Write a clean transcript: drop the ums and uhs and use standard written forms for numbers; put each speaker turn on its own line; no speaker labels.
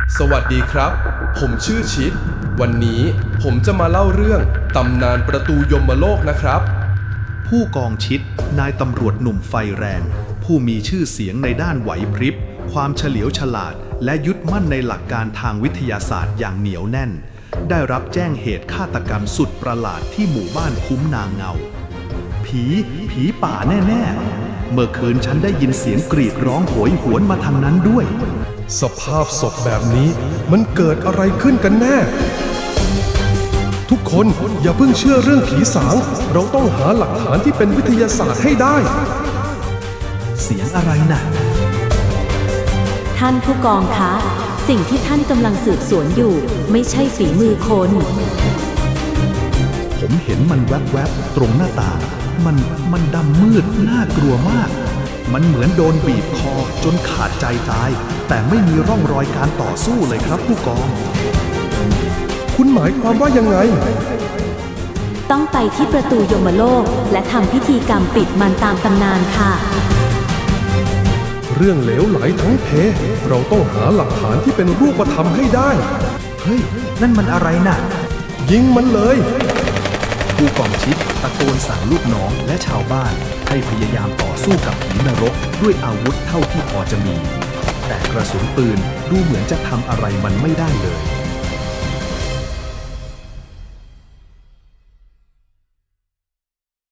สวัสดีครับ ผมชื่อชิด วันนี้ผมจะมาเล่าเรื่องตำนานประตูยมโลกนะครับ
ผู้กองชิดนายตำรวจหนุ่มไฟแรง ผู้มีชื่อเสียงในด้านไหวพริบความเฉลียวฉลาดและยึดมั่นในหลักการทางวิทยาศาสตร์อย่างเหนียวแน่น ได้รับแจ้งเหตุฆาตกรรมสุดประหลาดที่หมู่บ้านคุ้มนางเงาผีป่าแน่ๆเมื่อคืนฉันได้ยินเสียงกรีดร้องโหยหวนมาทางนั้นด้วย
สภาพศพแบบนี้มันเกิดอะไรขึ้นกันแน่ ทุกคนอย่าเพิ่งเชื่อเรื่องผีสาง เราต้องหาหลักฐานที่เป็นวิทยาศาสตร์ให้ได้
เสียงอะไรน่ะ
ท่านผู้กองคะ สิ่งที่ท่านกำลังสืบสวนอยู่ไม่ใช่ฝีมือคน
ผมเห็นมันแวบๆตรงหน้าต่างมันดำมืดน่ากลัวมาก มันเหมือนโดนบีบคอจนขาดใจตาย แต่ไม่มีร่องรอยการต่อสู้เลยครับผู้กอง
คุณหมายความว่ายังไง
ต้องไปที่ประตูยมโลกและทำพิธีกรรมปิดมันตามตำนานค่ะ
เรื่องเหลวไหลทั้งเพ เราต้องหาหลักฐานที่เป็นรูปธรรมให้ได้
เฮ้ย นั่นมันอะไรน่ะ
ยิงมันเลย
ผู้กองชิดตะโกนสั่งลูกน้องและชาวบ้านให้พยายามต่อสู้กับผีนรกด้วยอาวุธเท่าที่พอจะมี แต่กระสุนปืนดูเหมือนจะทำอะไรมันไม่ได้เลย